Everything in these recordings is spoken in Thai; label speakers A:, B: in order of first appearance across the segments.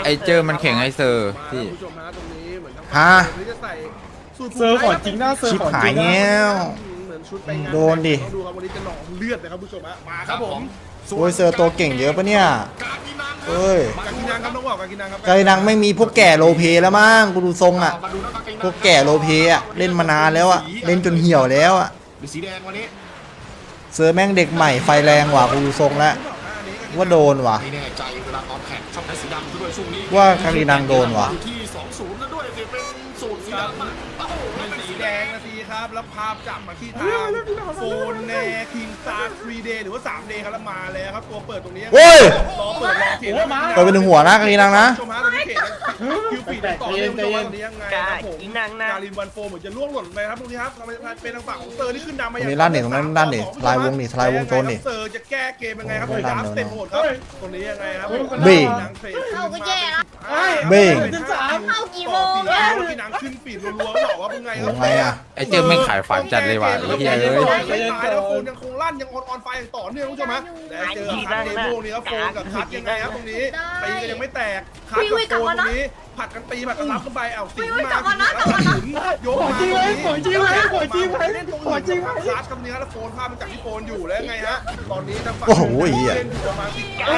A: ไอเจอมันแข่งไอเซอร์พี่
B: ฮะ
C: เซอร์ของจริงนะเซอร์
B: ชิบ
C: ของ
B: หา
C: จ
B: ย
C: ริง
B: แง้ว โดนดิ
C: ดูครับวันนี้จะหนองเลือดนะครับผู้ชมฮะมาครับผม
B: โอ้ยเซอร์ตัวเก่งเยอะปะเนี่ยเอ้ย
C: กากินังครับน้องบอกกากินังครับ
B: ไกนังไม่มีพวกแก่โลเพแล้วมั้งกูดูทรงอ่ะพวกแก่โลเพอ่ะเล่นมานานแล้วอ่ะเล่นจนเหี่ยวแล้วอ่ะ
D: มีสีแดงวันนี้
B: เซอร์แม่งเด็กใหม่ไฟแรงว่ะกูดูทรงแล้วว่าโดนว่ะ
D: ไม่แน่ใจเวลาตอนแข่งชอบใช้สีดำด้วยช่วงนี้
B: ว่ากากินังโดนว่ะ
D: ที่20แล้วด้วยสิเป็นสูตรสีดำอะโอ้โห
C: เป็นสีแดงนาทีครับแล้วภาพจับมาที่ทางโฟนแนคิงซาร์3 day หรือว่า3 day ครับแล้วมาแล้วครับตัวเปิดตรงนี้
B: โอ้ย
C: รอเปิดรอเขียน
B: เปิดไปหนึ่งหัวนะกากินังนะ
C: ชมฮะตอนนี้เขตคิวปีดต่อเนื่องตรงนี้ยังไงครับผมการินวันโฟเหมือนจะล่วงหล่นไปครับตรงนี้ครับเป็นทางฝั่งของเซอร์ที่ขึ้นนำมา
B: ตรงนี้ลั่นนี่ตรงนั้นลั่นนี่ทลายวงนี่ทลายวงโจรนี่
C: เซอร์จะแก้เกมยังไงครับดาร์ฟเต็มโหมดครับตรงนี้ยังไงครับ
B: เบ้ง
E: เข้าก็แย่แล้ว
B: เบ้ง
E: เข้ากี่โมง
C: แล้
E: แล้ว
C: พี่นางขึ้นปีดรัวๆบอกว่าเป็นไงค
B: โอ้
C: รับ
B: ไงอ่ะ
A: ไอเจอไม่ขายฝันจัดเลยว่ะไอ้เหี้ยเอ้ย
C: ไม่ตายแล้วโฟนยังคงลั่นยังออนไฟอย่างต่อเนื่องคุณผู้ชมฮะและเจอคัดเดโมนี่ครับโฟนกับคัดยังไงครับตรงนี้ตีกันยังไม่แตกคัดกับโฟนตรงนี้ผัดกันตีผัดกันรับกันไปเอาสิงมาแล้วถึงยกมาเล่นตรงอื่นคัดกับเนื้อแล้วโฟนภาพมันจากที่โฟนอยู่แล้วไงฮะตอนนี้ทางฝั่งเล่นประมาณ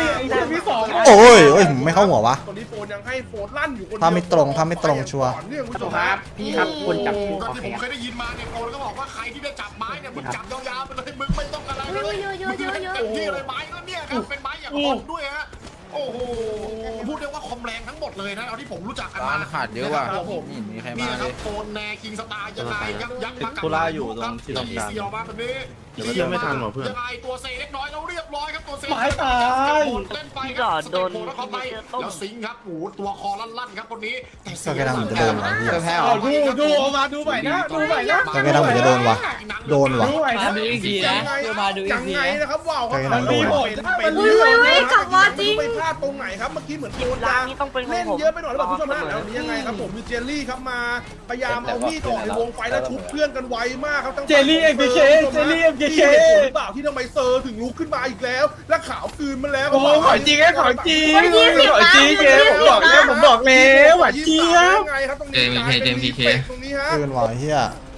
C: 10
B: โอ้ยโอ้ยไม่เข้าหัววะ
C: ตอนนี้โฟนยังให้โฟนลั่นอยู่คน
B: ถ้าไม่ตรงถ้าไม่ตรงชัวร์
C: เนื่องคุณผู้ชมครับ
F: พี่ครับคนจับคู่
D: ก็
F: ขอ
D: ที่
F: แข
D: ผม
F: ก
D: เคยได้ยินมาเนี่ยโกนก็บอกว่าใครที่ได้จับไม้เนี่ยมึงจับยาวๆไปเลยมึงไม่ต้องอะไรเลยมึงเต็มที่เลยไม้ก็เนี่ยครับเป็นไม้อย่างอ่อนด้วยฮะโอ้โหพูดได้ว่าคอมแรงทั้งหมดเลยนะเอาที่ผมรู้จักกัน
A: ร้า
D: มา
A: นขาดเยอะว่ะนี่มีใคร
D: นี่
A: มา
D: นะค
A: เล
D: รับ
A: ย
D: โฟนแนคิงสตาร์ยังไงยักษ์มากับ
F: ธุระอยู่ตรงที่ทำการ
D: เสียวมาแบบนี้
F: เดี๋ยวมันจะไม่ทันหรอเพื่อน
D: ยังไงตัวเซเล็กน้อยเราเรียบร้อยครับตัวเซ
C: หมายตาย
D: เล่นไปครับสเต็ปโผล่แล้วเข้าไปแล้วสิงครับโอ้โหตัวคอลั่นๆครับคนนี้แต่เสีย
B: ก็แค่นั้นเหมือนจะโดนวะพี่
A: เจอแพ้เหร
C: เอา
A: อ
C: ดูเอามาดูใหม่นะดูใหม่นะ
B: ก็แค่นั้นเหมือนจะโดนวะโดนวะ
C: ดูใหม่นะ
F: มาดูอีกทีนะมาดูอี
C: ยั
F: ก
C: ง
F: ที
C: ไง
F: นะ
C: นะครับว้าวเขา
B: ใครกำลังโดน
C: เป็นกลับมาจริงไปพลาดตรงไหนครับเมื่อกี้เหมือนโดนยางเล่นเยอะไปหน่อยหรือเปล่าผู้ชมฮะแล้วนี้ยังไงครับผมมีเจลลี่ครับมาพยายามเอามีดออกในวงไฟแล้วชุบเพื่อนกันไวมากครับตั้ง
F: เจลลี่ MKK เจลลี่ MKK
C: หรือเปล่าที่ทำไมเซอร์ถึงลุกขึ้นมาอีกแล้ว และขาวคืนมาแล้ว
F: โอ้โหของจริงไอ้ของจริงของจริงเกมผมบอกแล้วหวานเจี๊ยบ
C: ไงครับตรงนี้ตรงนี้ฮะ
B: เกินว่ะเฮีย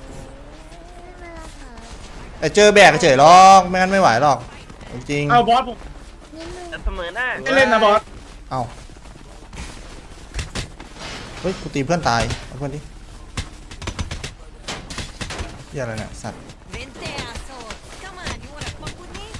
B: ไอเจอแบกเฉยหรอกไม่งั้นไม่ไหวหรอกจริง
C: เอาบอสผม
E: เสมอหน้า
C: ไม่เล่นนะบอส
B: เอาเฮ้ยกูตีเพื่อนตายเอาเพื่อนดิเฮียอะไรเนี่ยสัตว์
E: Vente asshole come on you wanna fuck with me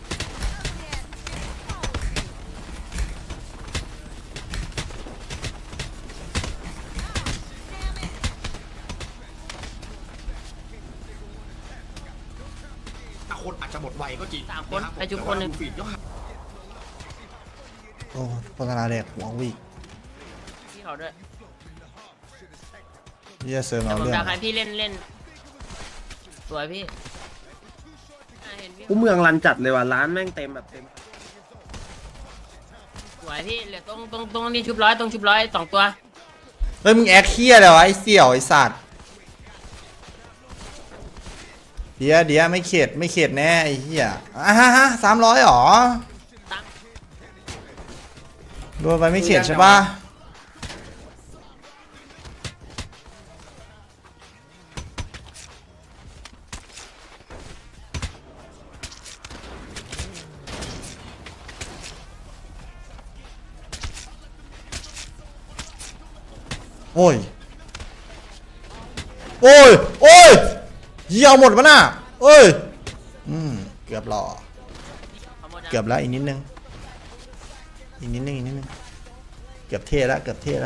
D: คนอาจจะหมดไวก็จริง
E: 3 คนไอจุ๊บคนหนึ่ง
D: ฟีดยอด
B: โอ้โฆษณาเด็กหัววีก
E: พี่เขาด้วย
B: เฮียเซิร์ฟเอา
E: ผม
B: เรื่อง
E: อยากให้พี่เล่นสวยพี่เห็นพี่
F: กูเมืองรันจัดเลยว่ะร้านแม่งเต็มแบบเต็ม
E: สวยพี่เหลือตรงนี้ชุบร้อยตรงชุบร้อย2 ตัว
B: เฮ้ยมึงแอคเคียอะไรวะไอเสี่ยวไอสัตว์เดี๋ยวไม่เข็ดแน่ไอเฮียฮะ300หรอโดนไปไม่เข็ดใช่ปะโอ้ยเยี่ยวหมดปะน่ะเอ้ยเกือบหล่อเกือบแล้วอีกนิดนึงเกือบเท่แล้ว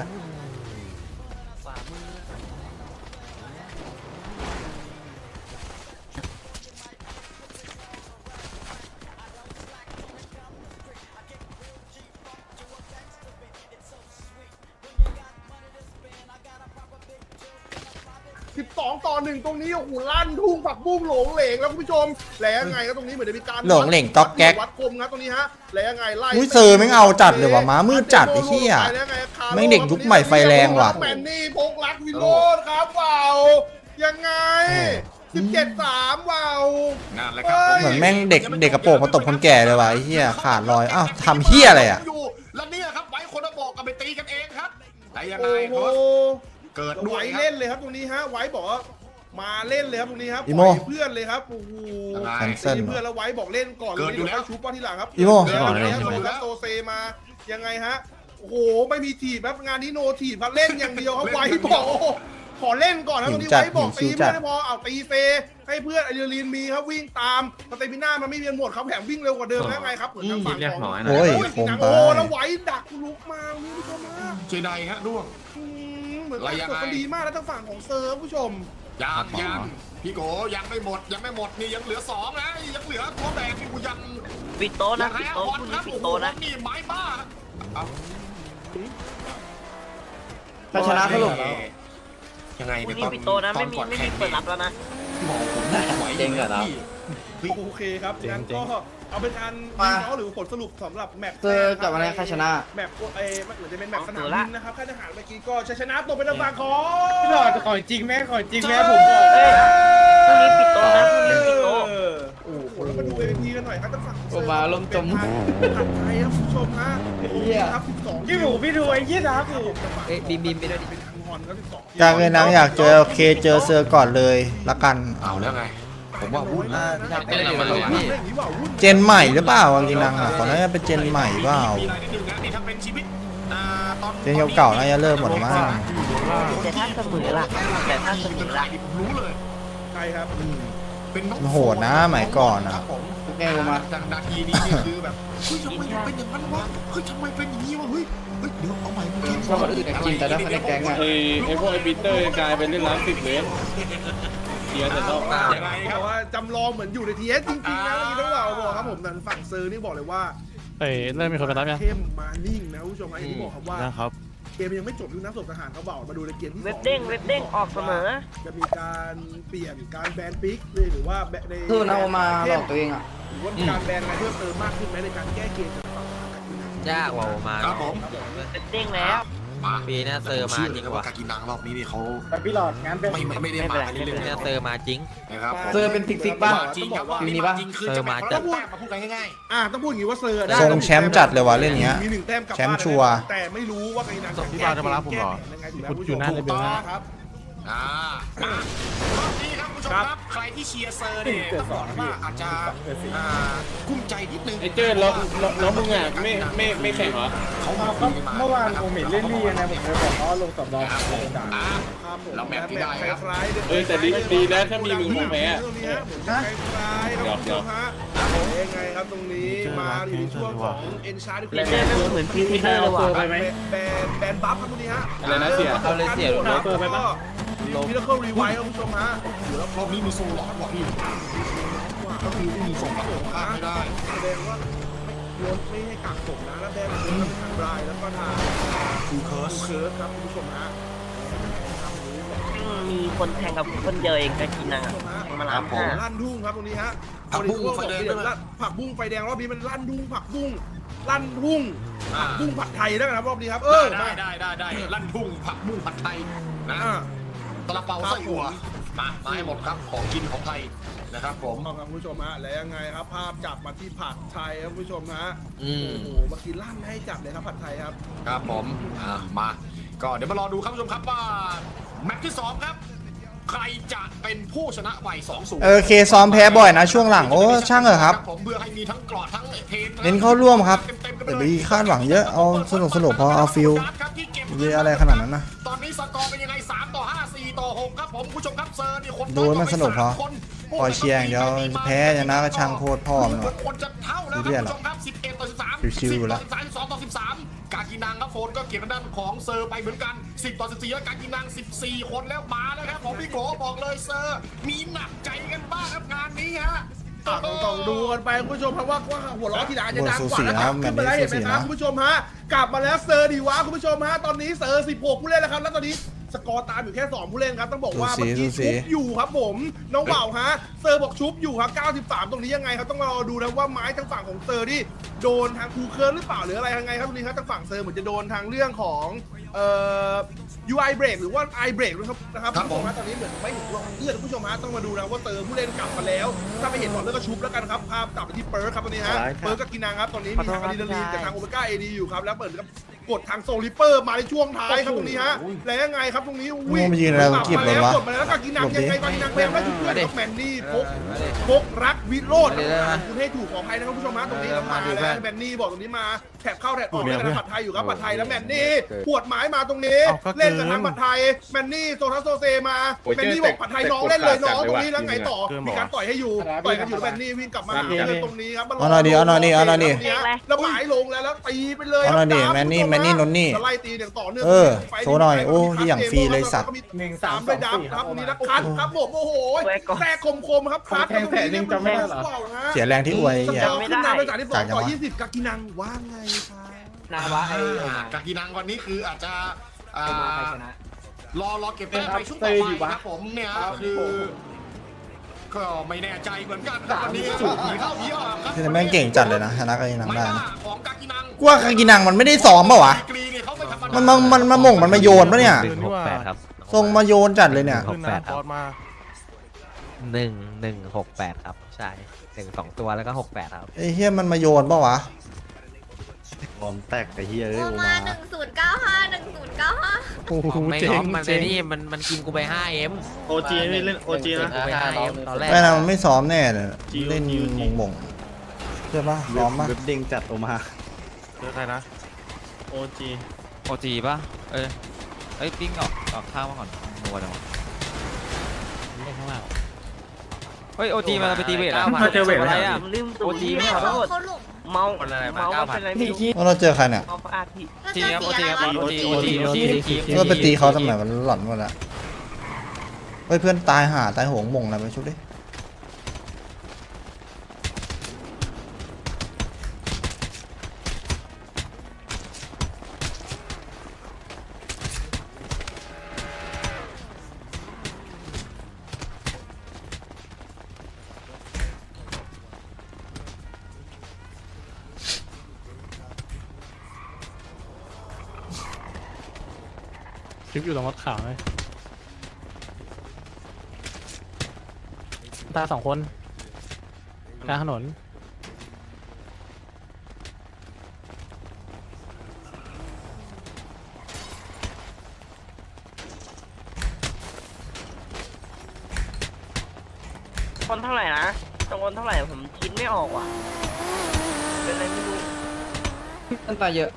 C: 12 ต่อ 1ตรงนี้โอ้โหลั่นทุ่งผักบุ้งหลงเหลงแล้วคุณผู้ชมแล้วยังไงก็ตรงนี้เหมือนจะมีการ
B: หลงเหลงต๊อกแก๊ก
C: วัดคมครับตรงนี้ฮะแล้วยังไงไล่
B: อุ้ยเซอร์แม่งเอาจัดเลยว่ะม้ามืดจัดไอ้เหี้ยแม่งเด็กยุคใหม่ไฟแรงว่ะ
C: แมนนี่พกรักวิโรจน์ครับว้าวยังไง 17-3ว้าว
D: นั่นแหละครับ
B: เหมือนแม่งเด็กกระโปรงมาตบคนแก่เลยว่ะไอ้เหี้ยขาดลอยอ้าวทำเหี้ยอะไรอ่ะ
D: แล้วเนี่ยครับไว้คนละบอกก็ไปตีกันเองครับแต่ยังไง
C: โอ้โห
D: เกิดด้
C: ไว้
D: วยครับ
C: เล่นเลยครับตรงนี้ฮะไว้บอกว่ามาเล่นเลยครับตรงนี้ครับ
B: อีโม่
C: ปล่อยเพื่อนเลยครับโอ้โห
B: แคนเซิล
C: ตีเพื่อนแล้วไว้บอกเล่นก่อน
D: เกิดอยู่แล้ว
C: ชูป้อนที่หลังครับ
B: อีโม่
C: เกิดอยู่แล้วโซเซมายังไงฮะโอ้โหไม่มีถีบครับงานนี้โนถีบครับเล่นอย่างเดียวครับไว้บอกโอ้โหขอเล่นก่อนนะตรงนี้ไว้บอกตีเพื่อนไม่พอเอาตีเฟให้เพื่อนอะดรีนาลีนมีครับวิ่งตามสเตมิน่ามันไม่มีหมดครับแถมวิ่งเร็วกว่าเดิมแล้วไงครับเหมือนทางฝั่งของ
B: โอ้ย
C: โอ้
B: โคมไป
C: โอ้แล้วไว้ดักลุกมานี่ผู้ชมฮะ
D: เจไดฮะด้วง
C: เหมือน
D: อะไรยังไง
C: กดกันดีมากแล้วทางฝั่งของเซิร์ฟผู้ชม
D: ยังพี่โกยังไม่หมดนี่ยังเหลือ2นะยังเหลือตัวแบกที่กูยัง
E: ปิดโต๊ะนะ
D: แพ้
E: ปิดโต๊ะ
D: บอล
E: คุณ
D: ครับ
E: ปิด
D: โอ้โห
E: โต๊ะนะ
D: นี่ไม้บ้าเอา
F: ถ้าชนะสรุป
D: ยังไง
E: คุณ
D: เนี่ย
E: นี่ปิดโต๊ะนะไม่มีเปิดรับแล้วนะ
D: บอกผมได้ไหวเจ๋งเหรอ
C: โอเคครับงั้นก็เอาเป็นการวิเคราะห์หรือผลสรุปสำหรับแมตช์
F: เจอกับอะไรใครชนะ
C: แมตช์เหมือนจะเป็นแมตช์สนามบินนะครับค่ายทหารเมื่อกี้ก็ชัยชนะตกเป็นทางฝั่งของ
F: หลอดของจริงแม่ของจริงแม่ผมบอก
E: เอ้ยพรุ่งนี้ปิดโต๊ะนะพรุ่งนี้ปิดโต๊ะ
C: โอ้โหแล้วมาดูเอพีกันหน่อยครับทางฝั่งของ
F: โอ้มาลมจม
C: ผัดไทยครับผู้ชมฮะครับ12
F: พี่หมูพี่ดูไอ้ยี่ครับ
E: บีมไปด้วยดิ
C: เป็นทางฮอนครับ12
B: อยากเลยนะอยากเจอเคเจอเซอร์ก่อนเลยละกัน
D: เอาแล้วไง
A: ผมว่าวุ่นนะ
C: เป็นอะไรมาเลยพี่
B: เจนใหม่หรือเปล่าจริงๆนังอ่ะขอน่าจะเป็นเจนใหม่เปล่า
D: มีอะไรนิดนึงนะนี่ถ้าเป็นชีวิตตอน
B: เจนเก่าๆน่าจะเริ่มหมดแล้วมั้ง
E: แต่ถ้าเสมอล่ะแต่ถ้าเสมอล่ะ
D: ผมรู้เลย
C: ใช่ครับ
D: เป็นน้อง
B: มันโหดนะสมัยก่อนอ่ะ
D: ครับผม
F: แกมา
D: จากนาทีนี้นี่คือแบบเฮ้ยทำไมเป็นอย่างนั้นวะเฮ้ยทำไมเป็นอย่างนี้วะเฮ้ยเดี๋ยวเอาใหม่กูกิน
F: ชอบคนอื่นกินแต่ถ้าคนในแก๊งอะไอ้พวกไอ้ปีเตอร์กลายเป็นเล่นร้าน10 เลนเสียแต่รอบ
D: ยังไงค
C: แต่
D: รับ
C: ว่าจำลองเหมือนอยู่ในทีเอสจริงๆนะนี่ต้องบอกครับผมแต่ฝั่งเซอร์นี่บอกเลยว่า
G: เริ่มมีคนไปรับยัง
C: เข้มมานิ่งนะผู้ชมอย่างที่บอกครับว่า
G: นะครับ
C: เกมยังไม่จบด้วยนะศพทหารเขาบอกมาดูในเกมที่
E: เว็บเด้งออกเสมอ
C: จะมีการเปลี่ยนการแบนปิกเลยหรือว่าใน
F: สู้นะมาหลอกตัวเองอ่ะ
C: หรือว่ามีการแบนอะไรเพิ่มเติมมากขึ้นไหมในการแก้เกมจากฝั่งกับทีม
E: ยากกว่ามา
D: ครับผม
E: เว็บเด้งแล้ว
D: มา
E: ปีหน้าเซอร์มาจริงว่ะ
D: กากินังรอบนี้นี่เขา
F: แต่พี่หลอดงานเป็น
D: ไม่ได้มาเรื่อย
E: ปีหน้าเซอร์มาจริง
D: ๆนะครับ
F: เซอร์เป็นติ๊กๆป่ะ
D: จริงครับ
F: ทีมนี้ปะ
D: จริงคือจะมาจัดมาพูดกันง่าย
C: ต้องพูดอย่างนี้ว่าเซอร์ได้
B: ทรงแชมป์จัดเลยว่ะเล่นเนี้ย
C: มี1 แต้มกลับ
B: แชมป์
C: บ้าน
B: ชัวร์
C: แต่ไม่รู้ว่าไอ้นัน
G: พี่บาวจะมารับผมเหรอ
C: ยังไงถูกไหม
G: คุณอยู่หน้าเลยเบลนะ
C: ครับ
D: รอบนี้ครับคุณผู้ชมครับใครที่เชียร์เซอร์เนี่ยต้องบอกว่าอาจจะกุ้มใจนิดนึง
F: ไอ้เจ้แล้วมึงอ่ะไม่แข่งเหรอ
D: เขามา
F: เมื่อวานผมเห็นเล่นนี่นะผมเลยบอกเขาลงสำรอง
D: ครับผม
C: ครับผม
D: เราแมปที่ได้ครับ
C: คล้ายๆ
F: แต่ดีนะถ้ามีมึงผมแพ้
C: ตรงนี้ฮะเหมือนจะคล้ายๆครับคุณผู้ชมฮะยังไงครับตรงนี้มาอยู่ในช่วงของเอ็นชาร์ดที่คุณ
E: เล่นได้เหมือนพีพีเตอร์เลยว่ะ
C: แบนบัฟครับตรงนี้ฮะ
F: อะไรนะเสีย
C: เอาเลยเสีย
F: โดนเปิดไปปะ
C: มิราเคิลรีไวท์ครับคุณผู้ชมฮะเดี๋ยว
D: รอบนี้มีโซลอดว่ะพี่ก็คือไม่มีส่งกลับข้ามไม่ได้
C: แสดงว่าไม่ให้กักศพนะแล้วแบนเป็นทางบรายแล้วก็ทาง
D: คูเคิร์ส
C: เคิร์สครับคุณผู้ชมฮะ
E: มีคนแทงกับคนเดียวเองกากินังอ่ะแทงมาล้านห้า
C: ลั่นทุ่งครับตรงนี้ฮะ
D: ผักบุ้งไฟแดงด้วยนะ
C: ผักบุ้งไฟแดงรอบนี้มันลั่นทุ่งผักบุ้งลั่นทุ่งผักบุ้งผัดไทยแล้วกันครับรอบนี้ครับ
D: ได้ลั่นทุ่งผักบุ้งผัดไทยนะตะละเปาไส้อั่วมาให้หมดครับของกินของไทยนะครับผม
C: ครับคุณผู้ชมฮะแล้วยังไงครับภาพจับมาที่ผัดไทยครับคุณผู้ชมฮะโอ้โหเมื่อกี้ลั่นให้จับเลยครับผัดไทยครับ
D: ครับผมมาก็เดี๋ยวมารอดูครับผู้ชมครับว่าแมตช์ที่2ครับใครจะเป็นผู้ชนะไว2-0
B: เคซ้อมแพ้บ่อยนะช่วงหลังโอ้ช่างเหรอะครับ
D: ผมเพื่อให้มีทั้งกรอดทั้งเทน
B: เน้นเข้าร่วมครับอย่าไปคาดหวังเยอะเอาสนุกพอเอาฟิลเยอะอะไรขนาดนั้นนะ
D: ตอนนี้สกอร์เป็นยังไง3-5 4-6ครับผมผู้ชมครับเซอร์นี่คน
B: ดูให้มันสนุกพอปล่อยเชียร์อย่างเดียวแพ้ชนะก็ช่างโคตรพ่อมันว่ะ
D: คนจะเท่าแล้วครับผู้ชมครับ11-13
B: ชิวๆแล้ว
D: 12-13กากินังครับโฟนก็เก็บทางด้านของเซอร์ไปเหมือนกัน10-14แล้วกากินัง14คนแล้วมาแล้วครับผมพี่โกบอกเลยเซอร์มีหนักใจกันบ้างครับงานนี้ฮะ
C: ต้องดูกันไปคุณผู้ชมครับว่าหัวล้อทีหลังจะดังกว่า
B: นะ
C: นะครับขึ้นมาแล้วเห็นไหมครับ
B: สูสีนะ
C: คุณผู้ชมฮะกลับมาแล้วเซอร์ดีวะคุณผู้ชมฮะตอนนี้เซอร์16ผู้เล่นแล้วครับแล้วตอนนี้สกอร์ตามอยู่แค่2ผู้เล่นครับต้องบอกว่าเมื่อกี้ชุบอยู่ครับผมน้องเบาฮะเซอร์บอกชุบอยู่ครับ93ตรงนี้ยังไงครับต้องรอดูนะว่าไม้ทางฝั่งของเซอร์ที่โดนทางคูเคิร์นหรือเปล่าหรืออะไรยังไงครับตรงนี้ครับทางฝั่งเซอร์เหมือนจะโดนทางเรื่องของUI break หรือว่า I break นะครับคุณผู้ชมฮะตอนนี้เหมือนไม่เห็นตัวเลือดคุณผู้ชมฮะต้องมาดูนะว่าเซอร์ผู้เล่นกลับมาแล้วถ้าไม่เห็นหลอดเลือดก็ชุบแล้วกันครับภาพตัดไปที่เปิร์กครับตอนนี้ฮะเปิร์กกับกินังครับตอนนี้มีทางอะดรีนาลีนกับทางโอเมก้าเอดีอยู่ครับแล้วเปิดกับกดทางโซลิเปอร์มาในช่วงท้ายครับตรงนี้ฮะแล้วยังไงครับตรงนี้
B: มึงมายืนอะไรมึงเก็บเลยวะ
C: กดมาแล้วกากินังยังไงกากินังพยายามได้ชุดเพื่อนกับแมนนี่พกรักวิโรจน์คุณให้ถูกขออภัยนะครับผู้ชมฮะตรงนี้แล้วมาแล้วแมนนี่บอกตรงนี้มาแถบเข้าแถบออกเล่นกับผัดไทยอยู่ครับผัดไทยแล้วแมนนี่ปวดหมายมาตรงนี้เล่นกับทางผัดไทยแมนนี่โซทัสโซเซมาแมนนี่บอกผัดไทยน้องเล่นเลยน้องตรงนี้แล้วไงต่อมีการต่อยให้อยู่ต่อยกันอยู่แล้วแมนนี่วิ่งกลับมาหาเพื่อนตรงนี้ครับแล้วหมายลงแล้วตีไปเลย
B: เอาหน่อยดิแมนนี่นนนี่
C: ไล่ตีอย่างต่อเนื่อง
B: โชว์หน่อยโอ้ที่อย่างฟรีเลยสัตว์
C: 1-3ด้วยดับครับตรงนี้นะคัทครับผมโอ้โหแทรกคมครับคัทตรงนี้เนี่ยมัน
B: เสียแรงที่อวยเหี้ย
C: ขึ้นนำไปจากที่2ต่อ20กากินังว่าไงครับ
F: นาวะไอ้
D: กากีนังวันนี้คืออาจจะ
F: ใครชนะ
D: รอเก็บแต้มไปช่วงต่อไปครับผมเนี่ยคือก็ไม่แน่ใจเหมือนกันครับวันนี้สูผีเข้าผีออกครับ
B: แต่แม่งเก่งจัดเลยนะชนะกากินังได้นะ
D: ของกากีนัง
B: กูว่ากากินังมันไม่ได้ซ้อมป่าวะ
D: กรีเนี่ยเขาไม่ธรรมดา
B: มันมาหม่งมันมาโยนปะเนี่ย
G: 168 ครับ
B: ทรงมาโยนจัดเลยเนี่ย
G: ขึ้นนะบอสมา
H: 1168 ครับ ใช่1 2 ตัวแล้วก็ 68 ครับ
B: ไอ้เฮียมันมาโยนปะวะ
I: ผมแตกแต่เฮียเอ้ย
J: โอ
I: โอ
J: มา
I: มา
J: 1095
G: โอ้โห
E: ไม่
G: เจ๋
E: ง้อง มัน
G: เจ๋ง
E: นี่มันกินกูไป 5M
F: โอจีนี่เล่นโอจีนะ
E: กูไป 5M ตอนแรก
B: ไม่นะมันไม่ซ้อมแน่เลย
F: จิว
B: เล่น
F: จิว
B: หม่งใช่ปะซ้อมปะ
I: เว็บเด้งจัดโอมา
G: เจอใครนะ
F: โอจี
A: โอจีป่ะเอ้ยปิ้งออกข้างมาก่อนนัวจังวะ
G: เล่นข้างล่าง
A: เฮ้ยโอจีมาไปตีเวท
F: มาเจอเวท
A: อะไร
F: แล้ว
A: อ่ะ
E: ลืม
A: โอจีไม่
J: เขา
A: เอา
J: หลง
E: เมาเป็นไรไม่รู้
B: ว่าเราเจอใครเนี่ย
E: เมาฟาดพี่
A: ทีครับโอจีครับ
J: วะ
A: โอจี
B: ก็ไปตีเขาทำไมมันหลอนหมดละเฮ้ยเพื่อนตายตายโหงหม่งอะไรไปชุบดิ
G: คลิปอยู่ตรงรถขาวเลยตา2 คนกลางถนน
E: คนเท่าไหร่นะจำนวนเท่าไหร่ผมคิดไม่ออกว่ะเป็นอะไรไม่รู้
F: ต้นตาเยอะ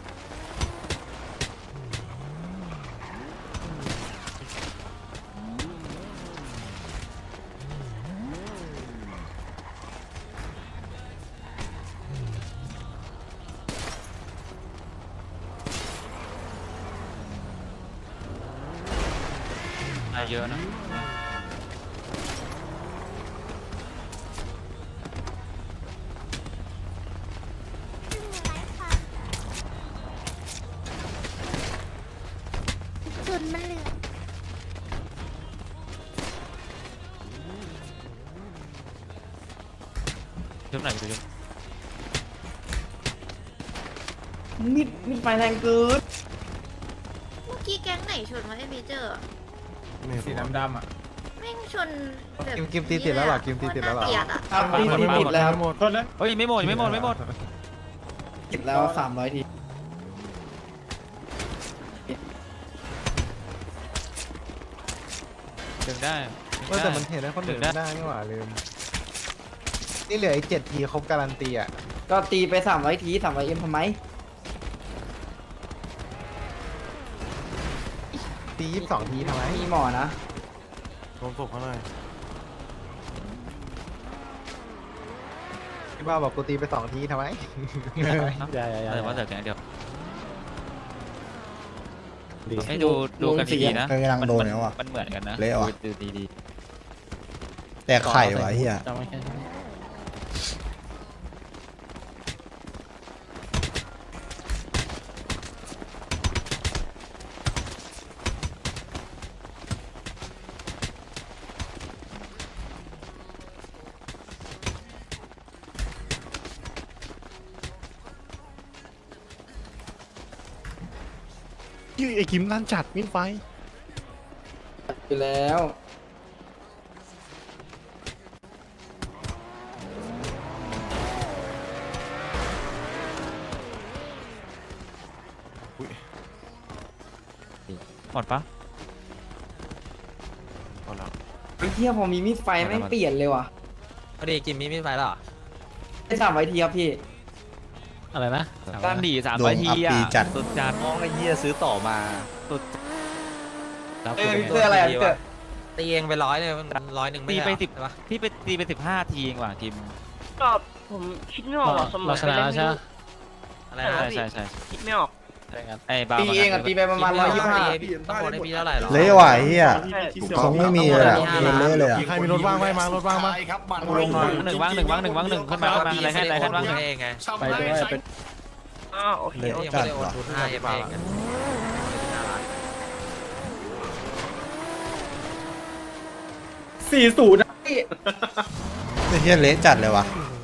A: เยอะนะ
J: จุดมันเหลือ
A: ชุบไหนไปชุบ
F: มีดไฟแรงเกิน
J: เมื่อกี้แก๊งไหนชนวะไอ้เมเจอร์
F: สีดำอ่ะ
J: แม่งชนแบบ
I: กิมตีติดแล้วหรอกิมตีติดแล้วหรอ
J: เกลียดอะ
F: ตีติดแล้วหมดโทษนะ
A: เฮ้ยไม่หมดไม่หมด
F: ติดแล้ว300 ที
A: ถึงได้
I: แต่มันเห็นได้คนอื่นไม่ได้นี่หว่าลืมนี่เหลืออีก7 ทีครบการันตีอ่ะ
F: ก็ตีไป300 ที300M ทำไม
I: ตี22 ทีทำไม
F: มีหมอนะ
G: รวมศพเขาหน่อย
I: พี่บ้าบอกกูตีไป2 ทีทำไม
G: อย่า
A: แต่ว่าเสร็จแค่เดียว
G: ดี
A: ให้ดูกันดีๆนะ
B: กำลังโดนแล้วอ่ะ
A: มันเหมือนกันนะ
B: เละว่ะ
A: ดูดี
B: แต่ไข่วะเฮีย
G: จำไว้แค่นี้ ไอ้กิมลั่นจัดมิดไฟ
F: อยู่แล้ว
G: อุ้ย
A: หมดปะ
F: ไอ้เหี้ยพอมีมีดไฟแม่งเปลี่ยนเลยว่ะ
H: พอดีกินมีดไฟแล้วเหรอ
F: ได้3 ไว้ทีครับพี่
G: อะไรนะ
A: ด้านดี3
B: ดวง
A: ที
B: อับ
A: อ่ะ
B: ปีจัด
A: สุดจัด
G: น้องไอ้เหี้ยซื้อต่อมา
A: สุด
F: พี่เตอร์อะไรพี่เตอร์
H: ตีเองไป100เลยมัน100ไม่
A: ตี
H: ใช่
A: ไป
H: เหรอ
A: 10
H: ใช่ปะ
A: พี่ไปตีไป15 ทีเองว่ะกิม
E: ก็ผมคิดไม่ออกสมอง
G: เราชนะแล้วใช่ไหม
H: อะไร
A: ใช่
H: นะ
A: ใช่
E: คิดไม่ออก
A: ไอ้บา
F: ตีเองอะตีไปประมาณ
H: กินไม่
F: 125
H: ได้พี่ต้องโอนให้พี่เท่าไหร่หรอ
B: เละว่ะไอ้เฮีย
E: ใช่
B: คงไม่มีเลยอะเละเลยอะ
G: ใครมีรถว่างไหมมารถว่างปะ
D: ใช่ครับมัน
A: ลงหน่อยหนึ่งว่างขึ้นมาขึ้นมาอะไรแค่ว่างหนึ่ง
H: เองไง
G: ไปด้วยไป
E: อ้าวโอเค
B: เละ
H: ยัง
B: จั
H: ไม่
B: ด
H: ได้โอน
B: ว่ะ
H: ทุนให้เองกัน
F: 40นะพี่
B: ไอ้เฮียเละจัดเลยว่ะ
F: โ